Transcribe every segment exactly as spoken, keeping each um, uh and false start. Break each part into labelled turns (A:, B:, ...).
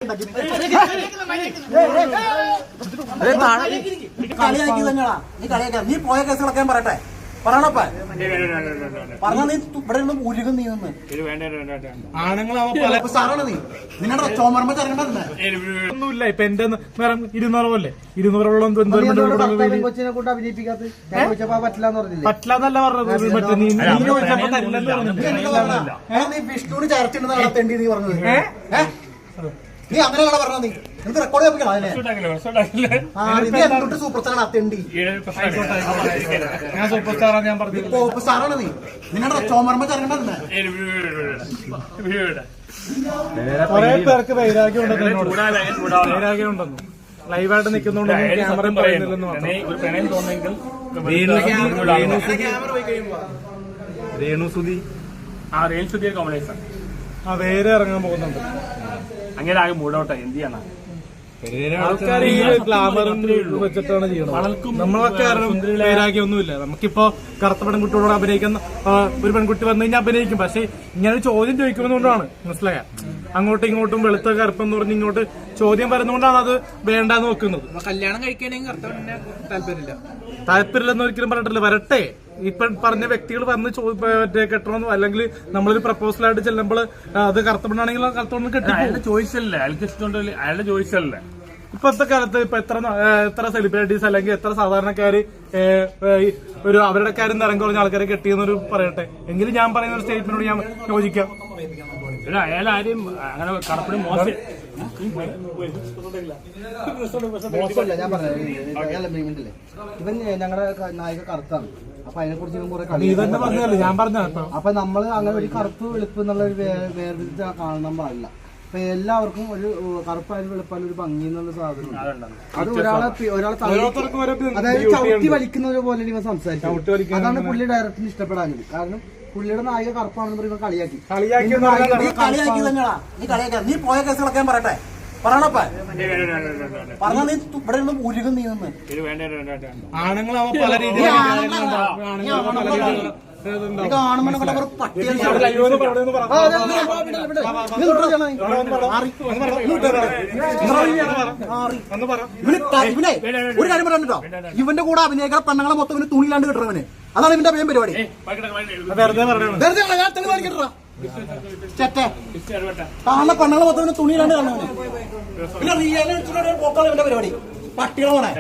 A: കളിയാക്കി തന്നെയാ നീ കളിയാക്കാം. നീ പോയ കേസുകളൊക്കെ പറയട്ടെ പറയണപ്പ പറഞ്ഞാ നീ ഇവിടെ നിന്ന് ഉരുകും നീ നിന്ന് ആണുങ്ങളാണ് സാറാണ് നീ നിങ്ങളുടെ ചോമർമ്മ
B: ഒന്നുമില്ല. ഇപ്പൊ എന്റെ നിറം ഇരുന്നൂറല്ലേ ഇരുന്നൂറോളം പറ്റില്ലെന്നല്ല പറഞ്ഞത്. മറ്റേ നീ
A: വിഷ്ണുവിന് ചർച്ചയുണ്ടെന്ന് നടത്തേണ്ടി നീ പറഞ്ഞത് നീ അങ്ങനെയാണ് പറഞ്ഞത്. നീ നിനക്ക് റെക്കോർഡ് ചെയ്യിപ്പിക്കണം അതിനെ സൂപ്പർ സ്റ്റാർ അത്തേണ്ടി
B: ഞാൻ സൂപ്പർ സ്റ്റാറാണ് ഞാൻ പറഞ്ഞത്.
A: സൂപ്പർ സ്റ്റാറാണ് നീ നിങ്ങളുടെ ചോമർമ്മ ചരണ്ടല്ലേ
B: കൊറേ പേർക്ക് വൈരാഗ്യം ഉണ്ടെന്ന് വൈരാഗ്യം ഉണ്ടെന്നു ലൈവായിട്ട് നിൽക്കുന്നുണ്ട് ക്യാമറ പറയുന്നില്ലെന്ന് രേണുസുതി
C: ആ രേണുസുതി കോമഡേഴ്സ്
B: ആ വേറെ ഇറങ്ങാൻ പോകുന്നുണ്ട്.
C: അങ്ങനെ ആകെ മൂടോട്ടെ എന്ത് ചെയ്യണം.
B: ആൾക്കാർ ഈ ഗ്ലാമറും വെച്ചിട്ടാണ് ചെയ്യണത്. നമ്മളൊക്കെ വൈരാഗ്യം ഒന്നുമില്ല. നമുക്കിപ്പോ കറുത്ത പെൺകുട്ടിയോട് അഭിനയിക്കുന്ന ഒരു പെൺകുട്ടി വന്നു കഴിഞ്ഞാൽ അഭിനയിക്കും. പക്ഷെ ഇങ്ങനെ ചോദ്യം ചോദിക്കുന്നതുകൊണ്ടാണ് മനസ്സിലായ അങ്ങോട്ടും ഇങ്ങോട്ടും വെളുത്ത കറുപ്പെന്ന് പറഞ്ഞ് ഇങ്ങോട്ട് ചോദ്യം വരുന്നതുകൊണ്ടാണ് അത് വേണ്ടാന്ന് വെക്കുന്നത്.
D: കല്യാണം കഴിക്കണമെങ്കിൽ താല്പര്യമില്ല
B: താല്പര്യമില്ലെന്ന് ഒരിക്കലും പറഞ്ഞിട്ടില്ല. വരട്ടെ ഇപ്പൊ പറഞ്ഞ വ്യക്തികൾ വന്ന് മറ്റേ കെട്ടണമെന്നോ അല്ലെങ്കിൽ നമ്മളൊരു പ്രപ്പോസലായിട്ട് ചെല്ലുമ്പോൾ അത് കറുത്ത പെണ്ണാണെങ്കിൽ കറുത്ത പെണ്ണ് കെട്ടി
C: അയാളുടെ ചോയ്സല്ലേ അയാൾക്ക് ഇഷ്ടമുണ്ടല്ലേ അയാളുടെ ചോയ്സല്ലേ.
B: ഇപ്പത്തെ കാലത്ത് ഇപ്പൊ എത്ര എത്ര സെലിബ്രിറ്റീസ് അല്ലെങ്കിൽ എത്ര സാധാരണക്കാര് ഒരു അവരുടെ കാര്യം നിറം കുറഞ്ഞ ആൾക്കാരെ കെട്ടിയെന്നൊരു പറയട്ടെ. എങ്കിലും ഞാൻ പറയുന്ന ഒരു സ്റ്റേറ്റ്മെന്റോട് ഞാൻ യോജിക്കാം.
C: അയാൾ ആരും അങ്ങനെ കറുപ്പിന് മോശം
A: മോശമല്ല. ഞാൻ പറഞ്ഞില്ലേ ഇവൻ ഞങ്ങളുടെ നായിക കറുത്താണ്. അപ്പൊ അതിനെ കുറിച്ച്
B: ഞാൻ പറഞ്ഞ
A: അപ്പൊ നമ്മള് അങ്ങനെ ഒരു കറുപ്പ് വെളുപ്പ് എന്നുള്ള ഒരു വേർതിരിച്ച് കാണാൻ പാടില്ല. അപ്പൊ എല്ലാവർക്കും ഒരു കറുപ്പായാലും വെളുപ്പായാലും ഒരു ഭംഗി എന്നുള്ള സാധനം അത് ഒരാളെ ഒരാളെ അതായത് ചവിട്ടി വലിക്കുന്ന പോലെ ഇവ സംസാരിക്കും. അതാണ് പുള്ളി ഡയറക്ടറിന് ഇഷ്ടപ്പെടാഞ്ഞത്. കാരണം പുള്ളിയുടെ നായിക കറുപ്പാണെന്ന് പറയുമ്പോൾ കളിയാക്കി കളിയാക്കി തന്നെയാ നീ കളിയാക്കാം. നീ പോയ കേസുകളൊക്കെ പറയട്ടെ പറയണപ്പ പറഞ്ഞാ നീ ഇവിടെ നിന്ന് ഉരുകും നീ നിന്ന്
B: ആണുങ്ങളാവുമ്പോ പല രീതിയിൽ
A: ഒരു കാര്യം പറയാൻ ഇവന്റെ കൂടെ അഭിനയിക്കാൻ പെണ്ണുങ്ങളെ മൊത്തം ഇവന് തുണിയിലാണ്ട് കിട്ടണവന്. അതാണ് ഇവന്റെ മെയിൻ പരിപാടി. കാണുന്ന പെണ്ണുങ്ങളെ മൊത്തം ഇവന് തുണിയിലാണ്ട് കാണുന്നവന്. പിന്നെ റിയലിറ്റിയുടെ പോക്കാണ് ഇവന്റെ പരിപാടി. പട്ടികളാണ്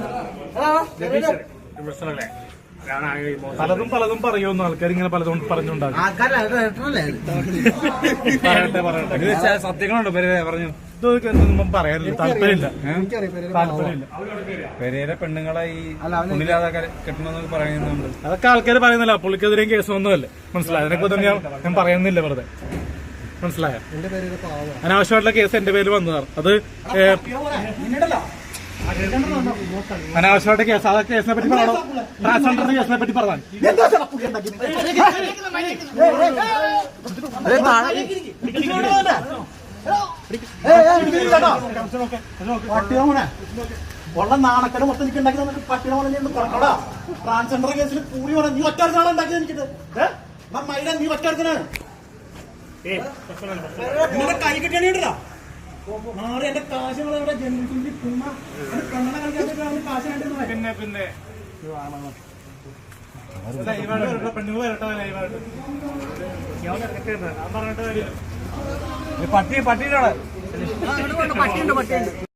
B: പലതും പലതും പറയുമെന്ന് ആൾക്കാർ ഇങ്ങനെ പലതും പറഞ്ഞുണ്ടാകും. പറയട്ടെ പറയട്ടെ സത്യങ്ങളുണ്ടോ പറഞ്ഞു ഇതൊന്നും പറയാനില്ല. താല്പര്യമില്ല താല്പര്യമില്ല.
E: പെരേര പെണ്ണുങ്ങളെ ഈ ഉള്ളിലാതെ കെട്ടണമെന്നൊക്കെ പറയുന്നുണ്ട്.
B: അതൊക്കെ ആൾക്കാർ പറയുന്നില്ല. പുള്ളിക്കെതിരെയും കേസൊന്നുമല്ലേ മനസ്സിലായി. അതിനെക്കുറിച്ച് ഞാൻ ഞാൻ പറയുന്നില്ല വെറുതെ മനസ്സിലായ. അനാവശ്യമായിട്ടുള്ള കേസ് എന്റെ പേരിൽ വന്നതാണ്. അത് അനാവശ്യമായിട്ട് കേസ്. ആ കേസിനെ പറ്റി പറയണോ? ട്രാൻസ്ജെൻഡറിന്റെ കേസിനെ പറ്റി പറയാൻ
A: ഉള്ള നാണക്കട മൊത്തം എനിക്ക് ഉണ്ടാക്കി തന്നിട്ട് പട്ടിണ പോലെ പറഞ്ഞോടാ. ട്രാൻസ്ജെൻഡർ കേസിൽ കൂടി വേണം. നീ ഒറ്റടുക്കാണ് ഉണ്ടാക്കിയത് എനിക്കിട്ട് മൈഡ നീ ഒറ്റടുക്കനാണ്. നിങ്ങളുടെ കൈ കിട്ടിയാണിട്ടാ മാറി എന്റെ കാശുകളെ ജന്മിച്ചിട്ട് കണ്ണട കളിക്കാൻ കാശ്
B: പിന്നെ പിന്നെ പെണ്ണുങ്ങൾ വരട്ടെ ലൈവായിട്ട് പറഞ്ഞിട്ട് പട്ടി പട്ടിയിലാണ്.